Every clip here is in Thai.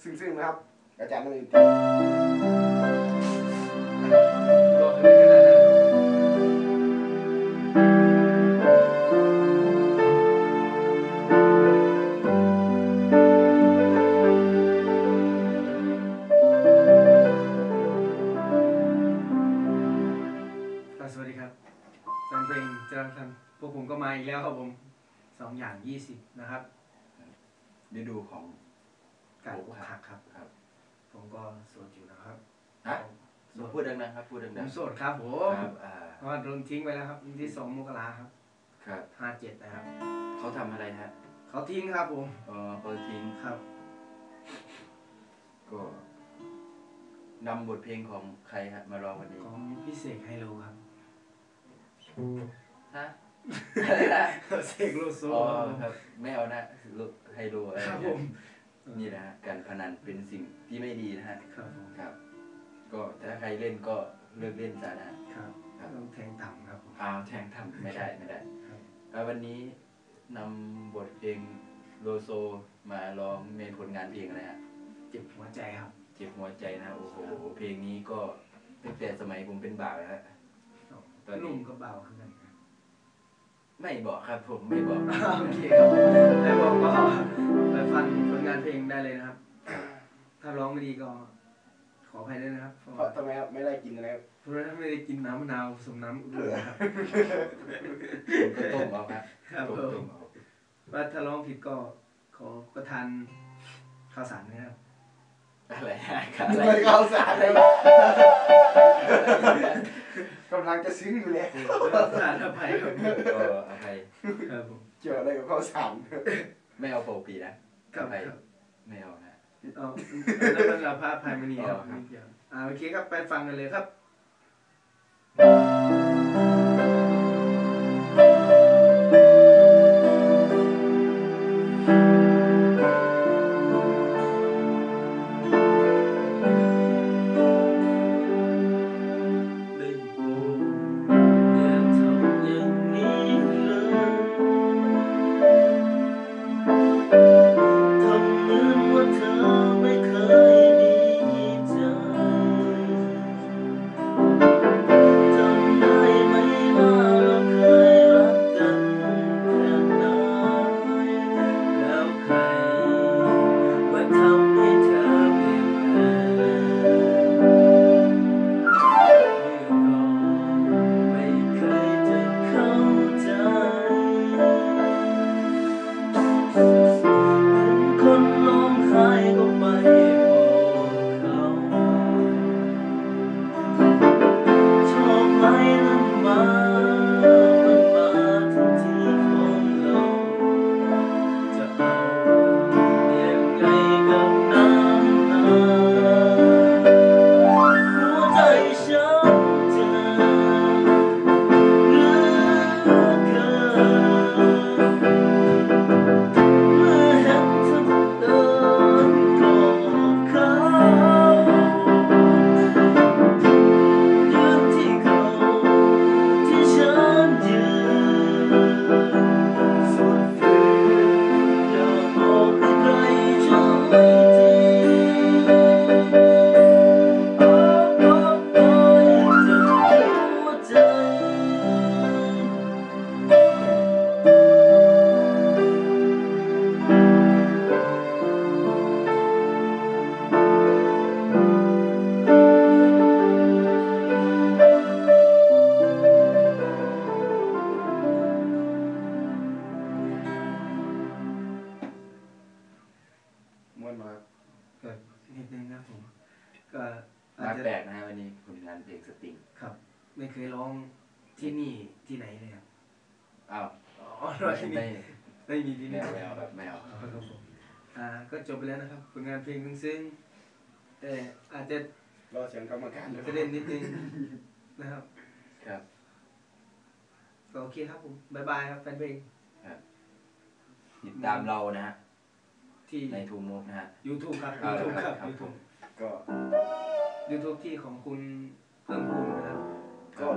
ซึ่งนะครับอาจารย์ต้องอยู่ที่บอกเลยขนาดนั้นสวัสดีครับแฟนเพลงจรัญทันพวกผมก็มาอีกแล้วครับผม2 อย่าง 20นะครับฤดูของการอกหักครับผมก็โสดอยู่นะครับพูดดังๆครับพูดดังๆผมโสดครับผมเพราะว่าโดนทิ้งไปแล้วครับวันที่2 มกราครับ57นะครับเขาทำอะไรฮะเขาทิ้งครับผมเขาทิ้งครับก็นำบทเพลงของใครฮะมาร้องวันนี้ของพี่เสกไฮโลครับฮะอะไรนะเสกโลโซครับไม่เอานะไฮโลอะไรครับผมนี่นะฮะการพนันเป็นสิ่งที่ไม่ดีนะฮะครับผมครับก็ถ้าใครเล่นก็เลิกเล่นซะนะครับต้องแทงต่ำครับผมแทงต่ำไม่ได้วันนี้นำบทเพลงโลโซมาร้องในผลงานเพลงอะไรฮะเจ็บหัวใจครับเจ็บหัวใจนะโอ้โหเพลงนี้ก็ตั้งแต่สมัยผมเป็นบ่าวแล้วตอนนุ่มก็เบาขึ้นกันไม่บอกครับผมไม่บอกโอเคครับไม่บอกก็ไปฟังผลงานเพลงได้เลยนะครับถ้าร้องไม่ดีก็ขออภัยด้วยนะครับเพราะทำไมครับไม่ได้กินอะไรเพราะถ้าไม่ได้กินน้ำมะนาวผสมน้ำอุ่นครับก็ต้มเอาครับต้มเอาว่าถ้าร้องผิดก็ขอประทานข้าวสารนะครับอะไรข้าวสารอะไรกำลังจะซึ้งอยู่เลยสารอภัยครับอภัยครับผมเกี่ยวอะไรกับข้าวสารไม่เอาโปปีนะอภัยไม่เอานะแล้วมันเราพระอภัยมณีครับโอเคครับไปฟังกันเลยครับนิดนึงนะผมก็อาจจะแปลกนะวันนี้ผลงานเพลงสติงครับไม่เคยร้องที่นี่ที่ไหนเลยครับไม่มีที่นี่ไม่เอาครับไม่เอาครับผมก็จบไปแล้วนะครับผลงานเพลงซึ่งแต่อาจจะรอเสียงกรรมการประเด็นนิดนึงนะครับครับก็โอเคครับผมบ๊ายบายครับแฟนเพลงติดตามเรานะฮะที่ในทูมูฟนะฮะ YouTube ครับ YouTube ครับ YouTube ก็ YouTube ที่ของคุณเพิ่มพูนนะครับก็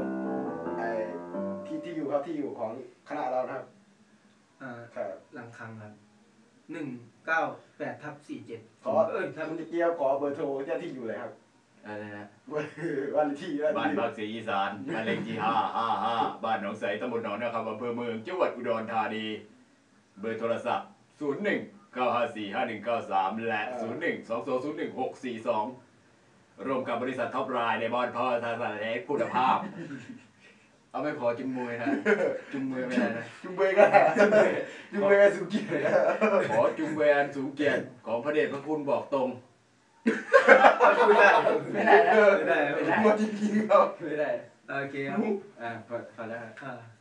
ที่อยู่ครับที่อยู่ของคณะเรานะครับหลังคังครับ 198/47 ขอทับคุณเกียวขอเบอร์โทรเจ้าที่อยู่เลยครับอะไรนะวันที่บ้านภาคศรีอีสานบ้านเลขที่555บ้านหนองใสตำบลหนองนาคำอำเภอเมืองจังหวัดอุดรธานีเบอร์โทรศัพท์01-954-5193และ01-2201-642ร่วมกับบริษัทท็อปไลน์ในบอนพอทางสารเอกคุณภาพเอาไม่ขอจุมมวยนะจุมมวยไม่ได้นะจุงเบยก็ได้จุงเบยก็สุกี้เลยขอจุมเวนสูงเกียรติของพระเดชพระคุณบอกตรงไม่ได้ไม่ได้นะไม่ได้ไม่ได้หมดจริงๆครับไม่ได้โอเคครับพอแล้วครับอ่า